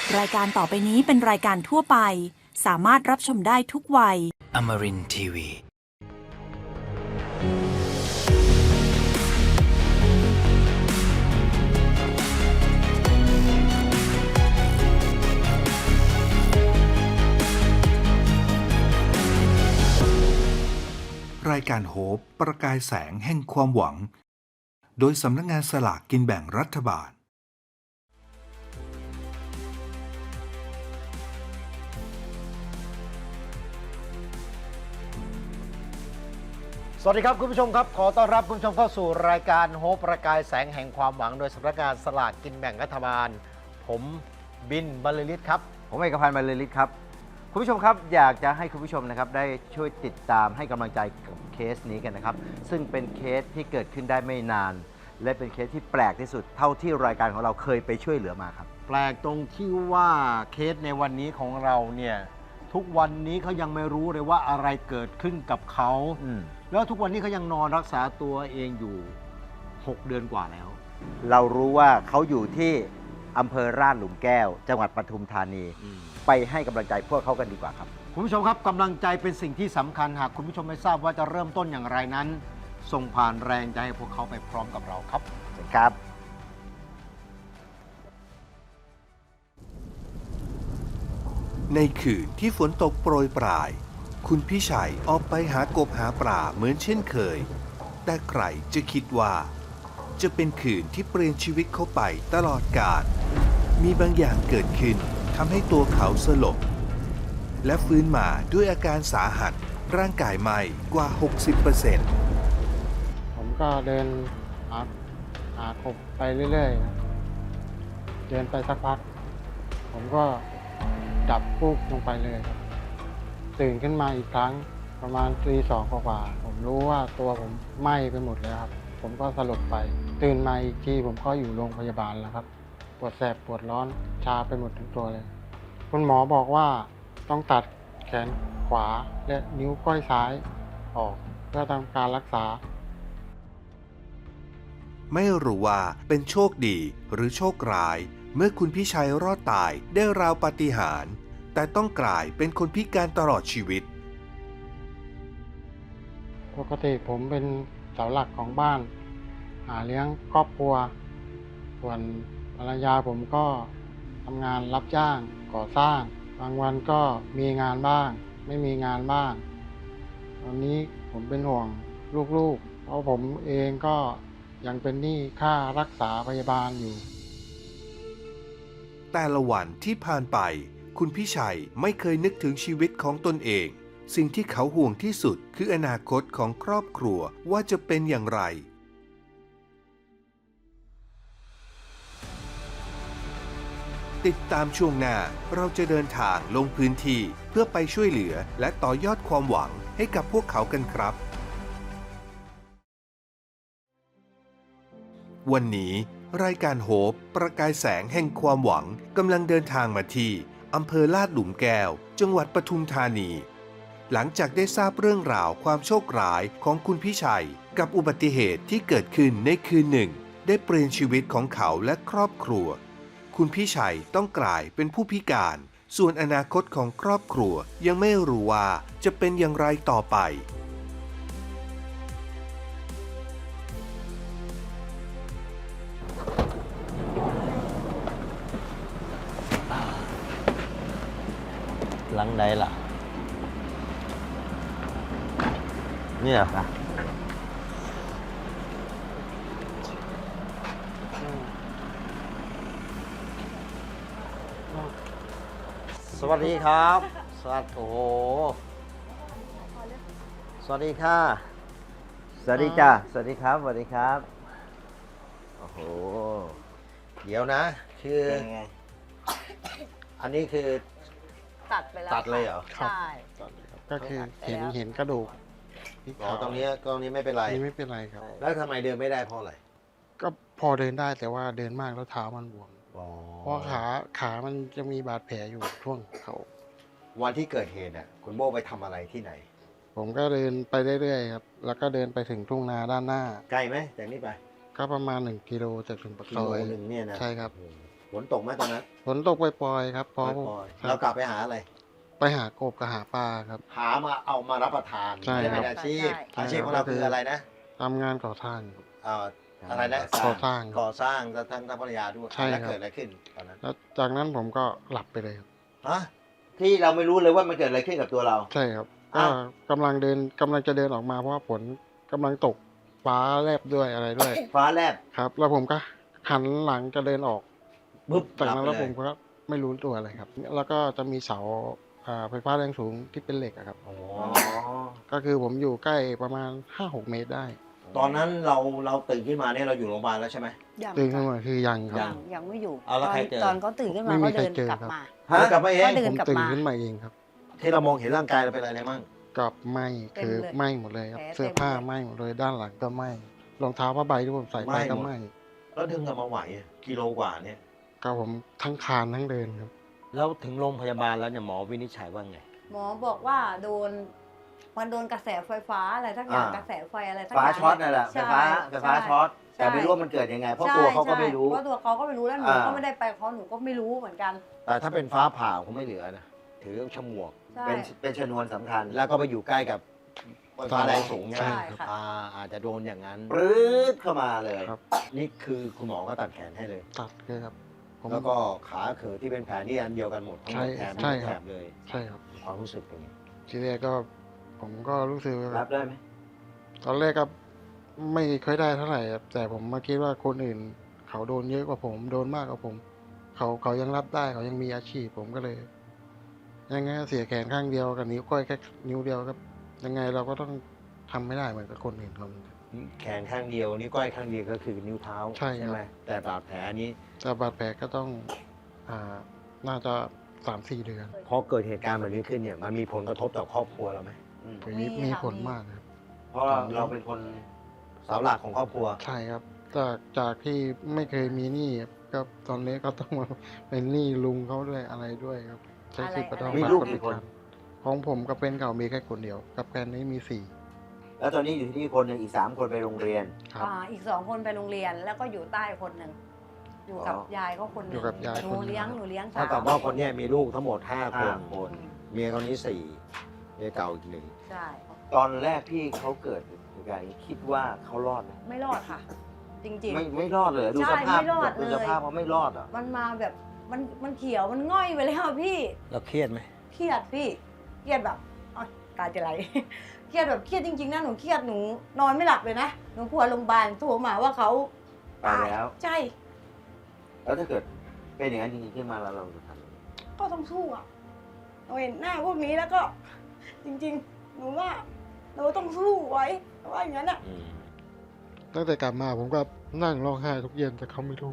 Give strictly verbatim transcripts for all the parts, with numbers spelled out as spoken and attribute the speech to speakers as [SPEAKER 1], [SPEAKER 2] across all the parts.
[SPEAKER 1] รายการต่อไปนี้เป็นรายการทั่วไปสามารถรับชมได้ทุกวัย
[SPEAKER 2] Amarin ที วี
[SPEAKER 3] รายการโฮปประกายแสงแห่งความหวังโดยสำนักงานสลากกินแบ่งรัฐบาล
[SPEAKER 4] สวัสดีครับคุณผู้ชมครับขอต้อนรับคุณผู้ชมเข้าสู่รายการโฮปประกายแสงแห่งความหวังโดยสำนักงานสลากกินแบ่งรัฐบาลผมบินบรรลือฤทธิ์ครับ
[SPEAKER 5] ผมเอกพันธ์บรรลือฤทธิ์ครับคุณผู้ชมครับอยากจะให้คุณผู้ชมนะครับได้ช่วยติดตามให้กำลังใจกับเคสนี้กันนะครับซึ่งเป็นเคสที่เกิดขึ้นได้ไม่นานและเป็นเคสที่แปลกที่สุดเท่าที่รายการของเราเคยไปช่วยเหลือมาครับ
[SPEAKER 4] แปลกตรงที่ว่าเคสในวันนี้ของเราเนี่ยทุกวันนี้เขายังไม่รู้เลยว่าอะไรเกิดขึ้นกับเขาแล้วทุกวันนี้เขายังนอนรักษาตัวเองอยู่หกเดือนกว่าแล้ว
[SPEAKER 5] เรารู้ว่าเขาอยู่ที่อำเภอราชหลุมแก้วจังหวัดปทุมธานีไปให้กำลังใจพวกเขากันดีกว่าครับ
[SPEAKER 4] คุณผู้ชมครับกำลังใจเป็นสิ่งที่สำคัญหากคุณผู้ชมไม่ทราบว่าจะเริ่มต้นอย่างไรนั้นส่งผ่านแรงใจให้พวกเขาไปพร้อมกับเราครับ
[SPEAKER 5] ครับ
[SPEAKER 3] ในคืนที่ฝนตกโปรยปรายคุณพี่ชัยออกไปหากบหาปลาเหมือนเช่นเคยแต่ใครจะคิดว่าจะเป็นคืนที่เปลี่ยนชีวิตเขาไปตลอดกาลมีบางอย่างเกิดขึ้นทำให้ตัวเขาสลบและฟื้นมาด้วยอาการสาหัสร่างกายไหม้กว่า หกสิบเปอร์เซ็นต์
[SPEAKER 6] ผมก็เดินหาหากบไปเรื่อยๆนะเดินไปสักพักผมก็ดับปุ๊บลงไปเลยครับตื่นขึ้นมาอีกครั้งประมาณตีสองกว่าผมรู้ว่าตัวผมไหม้ไปหมดแล้วครับผมก็สลบไปตื่นมาอีกทีผมก็อยู่โรงพยาบาลแล้วครับปวดแสบปวดร้อนชาไปหมดทั้งตัวเลยคุณหมอบอกว่าต้องตัดแขนขวาและนิ้วก้อยซ้ายออกเพื่อทำการรักษา
[SPEAKER 3] ไม่รู้ว่าเป็นโชคดีหรือโชคร้ายเมื่อคุณพี่ชัยรอดตายได้ราวปาฏิหาริย์แต่ต้องกลายเป็นคนพิการตลอดชีวิต
[SPEAKER 6] ปกติผมเป็นเสาหลักของบ้านหาเลี้ยงครอบครัวส่วนภรรยาผมก็ทำงานรับจ้างก่อสร้างบางวันก็มีงานบ้างไม่มีงานบ้างตอนนี้ผมเป็นห่วงลูกๆเพราะผมเองก็ยังเป็นหนี้ค่ารักษาพยาบาลอยู่
[SPEAKER 3] แต่ละวันที่ผ่านไปคุณพี่ชัยไม่เคยนึกถึงชีวิตของตนเองสิ่งที่เขาห่วงที่สุดคืออนาคตของครอบครัวว่าจะเป็นอย่างไรติดตามช่วงหน้าเราจะเดินทางลงพื้นที่เพื่อไปช่วยเหลือและต่อยอดความหวังให้กับพวกเขากันครับวันนี้รายการโฮปประกายแสงแห่งความหวังกำลังเดินทางมาที่อำเภอลาดหลุมแก้วจังหวัดปทุมธานีหลังจากได้ทราบเรื่องราวความโชคร้ายของคุณพี่ชัยกับอุบัติเหตุที่เกิดขึ้นในคืนหนึ่งได้เปลี่ยนชีวิตของเขาและครอบครัวคุณพี่ชัยต้องกลายเป็นผู้พิการส่วนอนาคตของครอบครัวยังไม่รู้ว่าจะเป็นอย่างไรต่อไป
[SPEAKER 5] หลังใดล่ะเนี่ยนะสวัสดีครับสวัสดีโอ้โหสวัสดีค่ะสวัสดีจ้าสวัสดีครับสวัสดีครับโอ้โห
[SPEAKER 4] เดี๋ยวนะคืออันนี้คือ
[SPEAKER 7] ตัดไปแล้ว
[SPEAKER 4] ตัดเลยเหรอ
[SPEAKER 7] ใช่
[SPEAKER 6] ก็คือเห็นเห็นกระดูก
[SPEAKER 4] อ๋อตรงนี้ตรงนี้ไม่เป็นไร
[SPEAKER 6] นี่ไม่เป็นไรครับ
[SPEAKER 4] แล้วทำไมเดินไม่ได้เพราะอะไร
[SPEAKER 6] ก็พอเดินได้แต่ว่าเดินมากแล้วเท้ามันบวมเพราะขาขามันจะมีบาดแผลอยู่ช่วงเขา
[SPEAKER 4] วันที่เกิดเหตุน่ะคุณโบ้ไปทำอะไรที่ไหน
[SPEAKER 6] ผมก็เดินไปเรื่อยๆครับแล้วก็เดินไปถึงทุ่งนาด้านหน้า
[SPEAKER 4] ไกลไหมจากนี้ไป
[SPEAKER 6] ก็ประมาณหนึ่งกิโลจากถึงปากซอย
[SPEAKER 4] หนึ่งเนี่ยนะ
[SPEAKER 6] ใช่ครับ
[SPEAKER 4] ฝนตกไหมตอนนั้น
[SPEAKER 6] ฝนตกปล่อยๆครับพอ
[SPEAKER 4] ปล่อย
[SPEAKER 6] ค
[SPEAKER 4] ๆเรา
[SPEAKER 6] รับ
[SPEAKER 4] กลับไปหาอะไร
[SPEAKER 6] ไปหากบกับหาปลาครับ
[SPEAKER 4] หามาเอามารับประทาน
[SPEAKER 6] ใช่
[SPEAKER 4] ไม่ได้
[SPEAKER 6] ครับ
[SPEAKER 4] เป็นอาชีพ
[SPEAKER 6] ใช่
[SPEAKER 4] อาชีพของเราคืออะไรนะ
[SPEAKER 6] ทำงานก่อสร้าง
[SPEAKER 4] เอ่ออะไรนะ
[SPEAKER 6] ก่อสร้าง
[SPEAKER 4] ก่อสร้างทั้งทั้งภรรยาด้วย
[SPEAKER 6] ใช่
[SPEAKER 4] แล้ว
[SPEAKER 6] ครับ
[SPEAKER 4] เกิดอะไรขึ้นตอนนั้น
[SPEAKER 6] แล้วจากนั้นผมก็หลับไปเลยครับ
[SPEAKER 4] ฮะ
[SPEAKER 5] ที่เราไม่รู้เลยว่ามันเกิดอะไรขึ้นกับตัวเรา
[SPEAKER 6] ใช่ครับก็
[SPEAKER 5] อ้าว
[SPEAKER 6] กำลังเดินกำลังจะเดินออกมาเพราะว่าฝนกำลังตกฟ้าแลบด้วยอะไรด้วย
[SPEAKER 5] ฟ้าแลบ
[SPEAKER 6] ครับ แล้วผมก็หันหลังจะเดินออก
[SPEAKER 5] ปุ๊บ
[SPEAKER 6] จากนั้น
[SPEAKER 5] ห
[SPEAKER 6] แล้
[SPEAKER 5] บ
[SPEAKER 6] ว
[SPEAKER 5] ไป
[SPEAKER 6] ผมก็ไม่รู้ตัวอะไรครับ แล้วก็จะมีเสาอ่าไฟฟ้าแรงสูงที่เป็นเหล็กอะครับ
[SPEAKER 4] โอ้
[SPEAKER 5] อ๋อ
[SPEAKER 6] ก็คือผมอยู่ใกล้ประมาณ ห้าหก เมตรได้
[SPEAKER 4] ตอนนั้นเราเราตื่นขึ้นมาเนี่ยเราอยู่โรงพยาบาลแล้วใช่ไหม
[SPEAKER 2] ยัง
[SPEAKER 6] ตื่นขึ้น
[SPEAKER 2] ค่ะ
[SPEAKER 6] มาคือยังครับ
[SPEAKER 2] ยังยังไม่อยู่
[SPEAKER 4] เอาแล้ว
[SPEAKER 2] ตอน
[SPEAKER 4] ใครเจอ
[SPEAKER 2] ตอนเขาตื่นขึ้นมา
[SPEAKER 6] ไม่มี
[SPEAKER 2] เขาเดิน
[SPEAKER 6] ใครเจอก
[SPEAKER 2] ลับ
[SPEAKER 6] ครับ
[SPEAKER 2] มา
[SPEAKER 4] ฮะกลับมาเอง
[SPEAKER 2] ก็เดิ
[SPEAKER 6] ผ
[SPEAKER 2] น
[SPEAKER 6] ม
[SPEAKER 2] กลับ
[SPEAKER 6] ตื่น
[SPEAKER 2] มา
[SPEAKER 6] ขึ้นมาเองครับ
[SPEAKER 4] ที่เรามองเห็นร่างกายเราเป็นอะไรมั่ง
[SPEAKER 6] กับไหม้คือ
[SPEAKER 2] เต็มเลย
[SPEAKER 6] ไหม้หมดเลยครับ
[SPEAKER 2] แผล
[SPEAKER 6] เสื้อผ้า
[SPEAKER 2] เต็มเลย
[SPEAKER 6] ไหม้หมดเลยด้านหลังก็ไหม้รองเท้าผ้าใบที่ผมใส่ไปก็ไหม้
[SPEAKER 4] แล้วดึงกลับมาไหวกิโลกว่าเนี่ย
[SPEAKER 6] ก็ผมทั้งคานทั้งเดินครับ
[SPEAKER 4] แล้วถึงโรงพยาบาลแล้วเนี่ยหมอวินิจฉัยว่าไง
[SPEAKER 2] หมอบอกว่าโดนมันโดนกระแสไฟฟ้าอะไรทั้งอย่าง
[SPEAKER 5] อ่าก
[SPEAKER 2] ระแสไฟอะไรทั้ง
[SPEAKER 5] ฟ้า
[SPEAKER 2] อย่าง
[SPEAKER 5] ช็อตนั่นแหละไฟ
[SPEAKER 2] ใช่
[SPEAKER 5] ฟ้าไฟฟ้า
[SPEAKER 2] ใ
[SPEAKER 5] ช็อต
[SPEAKER 2] ใช่
[SPEAKER 5] แต่ไม่รู้ว่ามันเกิดยังไง เพราะ
[SPEAKER 2] ใช่
[SPEAKER 5] ตัวเขาก็
[SPEAKER 2] ใช่
[SPEAKER 5] ไม่รู้
[SPEAKER 2] เพราะตัวเขาก็ไม่รู้แล้วหนู
[SPEAKER 5] อ่า
[SPEAKER 2] ก็ไม่ได้ไปเพราะหนูก็ไม่รู้เหมือนกัน
[SPEAKER 4] แต่ถ้าเป็นฟ้าผ่าคงไม่เหลือนะถือฉมวก
[SPEAKER 2] ใช่
[SPEAKER 5] เป็นเป็นชนวนสำคัญ
[SPEAKER 4] แล้วก็ไปอยู่ใกล้กับไฟฟ้าแรงสูงใช่ไหม
[SPEAKER 2] ใช่ค่ะ
[SPEAKER 4] อ่าอาจจะโดนอย่างนั้น
[SPEAKER 5] ปรื๊ดเข้ามาเลย
[SPEAKER 6] ครับ
[SPEAKER 4] นี่คือคุณหมอก็ตัดแขนให้เลย
[SPEAKER 6] ตัดเลยครับผม
[SPEAKER 4] แล้วก็ขาเขือที่เป็นแผลนี่อันเดียวกันหมดทั้งหมด
[SPEAKER 6] ใช่
[SPEAKER 4] แถบ
[SPEAKER 6] ใช่
[SPEAKER 4] แถ
[SPEAKER 6] ครับ
[SPEAKER 4] บเลย
[SPEAKER 6] ใช่ครับ
[SPEAKER 4] ความรู้สึกเป็นไง
[SPEAKER 6] ทีแรกก็ผมก็รู้สึกว่า
[SPEAKER 5] รับได้ไหม
[SPEAKER 6] ตอนแรกก็ไม่ค่อยได้เท่าไหร่ครับแต่ผมมาคิดว่าคนอื่น เขาโดนเยอะกว่าผมโดนมากกว่าผม เขาเขายังรับได้เขายังมีอาชีพผมก็เลย ยังไงก็เสียแขนข้างเดียวกับนิ้วก้อยแค่นิ้วเดียวครับ ยังไงเราก็ต้องทำไม่ได้เหมือนกับคนอื่นเขา
[SPEAKER 4] แขนข้างเดียวนิ้วก้อยข้างเดียวก็คือนิ้วเท้า
[SPEAKER 6] ใช่ครับ
[SPEAKER 4] ไหมแต่บาดแผลนี้
[SPEAKER 6] แต่บาดแผลก็ต้องอ่าน่าจะสามสี่เดือน
[SPEAKER 4] พอเกิดเหตุการณ์แบบนี้ขึ้นเนี่ยมันมีผลกระทบต่อครอบครัวเราไหม
[SPEAKER 5] อืม
[SPEAKER 6] มี
[SPEAKER 2] มี
[SPEAKER 6] มี
[SPEAKER 2] ค่ะ
[SPEAKER 6] ผล
[SPEAKER 2] มี
[SPEAKER 6] มากครับ
[SPEAKER 5] เพราะเราเป็นคน
[SPEAKER 4] เสาหลักของครอบครัว
[SPEAKER 6] ใช่ครับ จากจากที่ไม่เคยมีหนี้ครับก็ตอนนี้ก็ต้องมาเป็นหนี้ลุงเขาด้วยอะไรด้วยครับ ใช้สิทธิ์ประต้อง
[SPEAKER 5] มี
[SPEAKER 6] บัต
[SPEAKER 5] ลู
[SPEAKER 6] ร
[SPEAKER 5] ก
[SPEAKER 6] ประ
[SPEAKER 5] กี่คน
[SPEAKER 6] กันของผมกับเป็นเก่ามีแค่คนเดียว กับแฟนนี้มีสี่
[SPEAKER 5] แล้วตอนนี้อยู่ที่นี่คนหนึ่งอีกสามคนไปโรงเรียน
[SPEAKER 6] ครับ
[SPEAKER 2] อ่าอีกสองคนไปโรงเรียนแล้วก็อยู่ใต้คนหนึ่งอยู่กับ
[SPEAKER 5] อ๋อย
[SPEAKER 2] ายก็คนหนึ่ง
[SPEAKER 6] อยู่กับยาย
[SPEAKER 2] หนู
[SPEAKER 6] คนหนึ่ง
[SPEAKER 2] เลี้ยงหนูเลี้ยง
[SPEAKER 4] ถ้ากับว่าคนเนี้ยมีลูกทั้งหมดห้าค
[SPEAKER 5] ห้าน คน
[SPEAKER 4] เมียคนนี้สี่เมียเก่าอีกหนึ่ง
[SPEAKER 2] ใช่
[SPEAKER 5] ตอนแรกที่เขาเกิดเหตุการณ์นี้คิดว่าเขารอดไหม
[SPEAKER 2] ไม่รอดค่ะ จริง
[SPEAKER 5] ไม่ไม่รอดเลยดู
[SPEAKER 2] ใช่
[SPEAKER 5] สภาพ
[SPEAKER 2] ไม่รอด
[SPEAKER 5] ดู
[SPEAKER 2] เลย
[SPEAKER 5] สภาพเขาไม่รอดอ่ะ
[SPEAKER 2] ๆ มันมาแบบมันมันเขียวมันง่อยไปแล้วอะพี่
[SPEAKER 4] เราเครียดไหม
[SPEAKER 2] เครียดพี่เครียดแบบอ๋อตาจะไหล เครียดแบบเครียดจริงๆนะหนูเครียดหนูนอนไม่หลับเลยนะหนูกลัวโรงพยาบาลโทรมาว่าเขา
[SPEAKER 5] ตายแล้ว
[SPEAKER 2] ใช่
[SPEAKER 5] แล้วถ้าเกิดเป็นอย่างนั้นจริงๆขึ้นมาแล้วเราจะทำยังไง
[SPEAKER 2] ก็ต้องสู้อ่ะเราเห็นหน้าพวกนี้แล้วก็ จริงๆ หนูว่าเราต้องสู้ไว้ว่าอย่างนั้นอ่ะ
[SPEAKER 4] อืม
[SPEAKER 6] ตั้งแต่กลับมาผมก็นั่งร้องไห้ทุกเย็นแต่เขาไม่รู้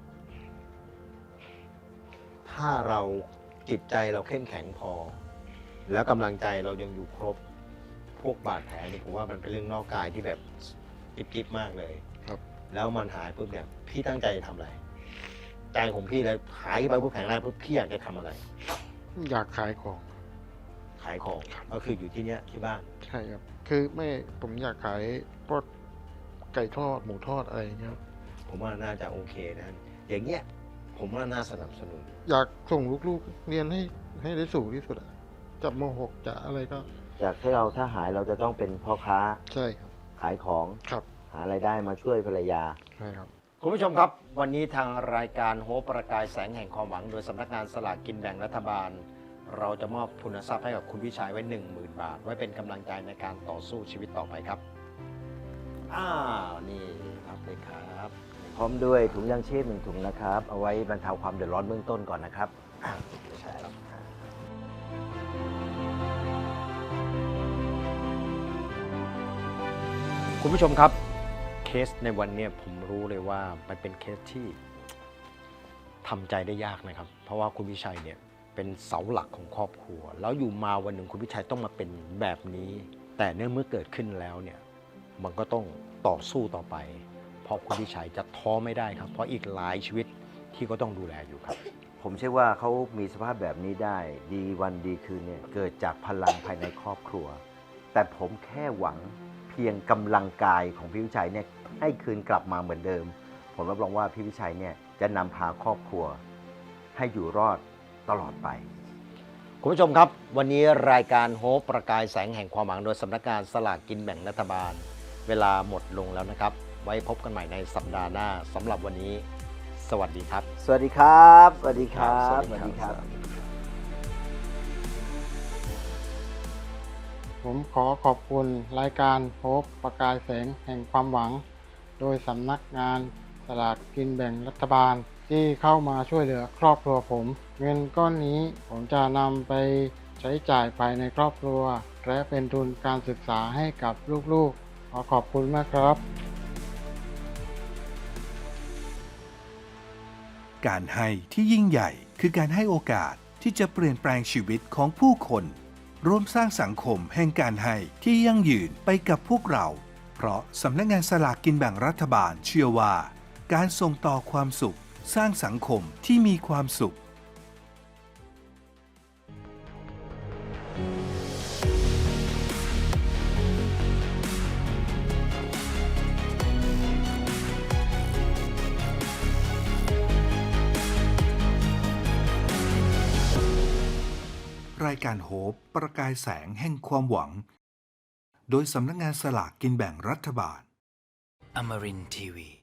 [SPEAKER 4] ถ้าเราจิตใจเราเข้มแข็งพอ แล้วกำลังใจเรายังอยู่ครบ พวกบาดแผลนี่ผมว่ามันเป็นเรื่องนอกกายที่แบบจิ๊บๆมากเลย
[SPEAKER 6] ครับ
[SPEAKER 4] แล้วมันหายปุ๊บเนี่ยพี่ตั้งใจจะทำอะไร ใจของพี่เลยหายไปปุ๊บแข็งแรงปุ๊บพี่อยากจะทำอะไร
[SPEAKER 6] อยากขายของ
[SPEAKER 4] ขายของก็คืออยู่ที่เนี้ยที่บ้าน
[SPEAKER 6] ใช่ครับ คือไม่ผมอยากขายพวกไก่ทอดหมูทอดอะไรอย่างเงี้ยครับ
[SPEAKER 4] ผมว่าน่าจะโอเคนะอย่างเงี้ยผมว่าน่าสนับสนุน
[SPEAKER 6] อยากส่งลูกๆเรียนให้ให้ได้สูงที่สุดอะจะมหกจะอะไรก็
[SPEAKER 5] จากที่เราถ้าหายเราจะต้องเป็นพ่อค้า
[SPEAKER 6] ใช่ครับ
[SPEAKER 5] ขายของ
[SPEAKER 6] ครับ
[SPEAKER 5] หารายได้มาช่วยภรรยา
[SPEAKER 6] ใช่ครับ
[SPEAKER 4] คุณผู้ชมครับ วันนี้ทางรายการโฮปประกายแสงแห่งความหวัง โดยสำนักงานสลากกินแบ่งรัฐบาล เราจะมอบทุนทรัพย์ให้กับคุณวิชัยไว้ หนึ่งหมื่น บาท ไว้เป็นกำลังใจในการต่อสู้ชีวิตต่อไปครับอ้าวนี่รับเลยครับ
[SPEAKER 5] พร้อมด้วยถุงยางชีพหนึ่งถุงนะครับ เอาไว้บรรเทาความเดือดร้อนเบื้องต้นก่อนนะครับ
[SPEAKER 4] ใช่ครับคุณผู้ชมครับเคสในวันนี้ผมรู้เลยว่ามันเป็นเคสที่ทำใจได้ยากนะครับ เพราะว่าคุณวิชัยเนี่ยเป็นเสาหลักของครอบครัว แล้วอยู่มาวันหนึ่งคุณวิชัยต้องมาเป็นแบบนี้ แต่เนื่องเมื่อเกิดขึ้นแล้วเนี่ยมันก็ต้องต่อสู้ต่อไป เพราะคุณวิชัยจะท้อไม่ได้ครับ เพราะอีกหลายชีวิตที่ก็ต้องดูแลอยู่ครับ
[SPEAKER 5] ผมเชื่อว่าเขามีสภาพแบบนี้ได้ ดีวันดีคืนเนี่ยเกิดจากพลังภายในครอบครัว แต่ผมแค่หวังเพียงกำลังกายของพี่วิชัยเนี่ยให้คืนกลับมาเหมือนเดิม ผผมรับรองว่าพี่วิชัยเนี่ยจะนำพาครอบครัวให้อยู่รอดตลอดไป
[SPEAKER 4] คุณผู้ชมครับ วันนี้รายการโฮปประกายแสงแห่งความหวังโดยสำนักงานสลากกินแบ่งรัฐบาล เวลาหมดลงแล้วนะครับ ไว้พบกันใหม่ในสัปดาห์หน้าสำหรับวันนี้ สวัสดีครับ
[SPEAKER 5] สวัสดีครับ สวัสดีครับ
[SPEAKER 4] สวัสดีครับ
[SPEAKER 6] ผมขอขอบคุณรายการโฮปประกายแสงแห่งความหวัง โดยสำนักงานสลากกินแบ่งรัฐบาลที่เข้ามาช่วยเหลือครอบครัวผม เงินก้อนนี้ผมจะนำไปใช้จ่ายภายในครอบครัว และเป็นทุนการศึกษาให้กับลูกๆ ขอขอบคุณมากครับ
[SPEAKER 3] การให้ที่ยิ่งใหญ่คือการให้โอกาสที่จะเปลี่ยนแปลงชีวิตของผู้คนร่วมสร้างสังคมแห่งการให้ที่ยั่งยืนไปกับพวกเรา เพราะสำนักงานสลากกินแบ่งรัฐบาลเชื่อว่า การส่งต่อความสุขสร้างสังคมที่มีความสุข รายการโฮปประกายแสงแห่งความหวัง โดยสำนักงานสลากกินแบ่งรัฐบาล
[SPEAKER 7] Amarin Tiwi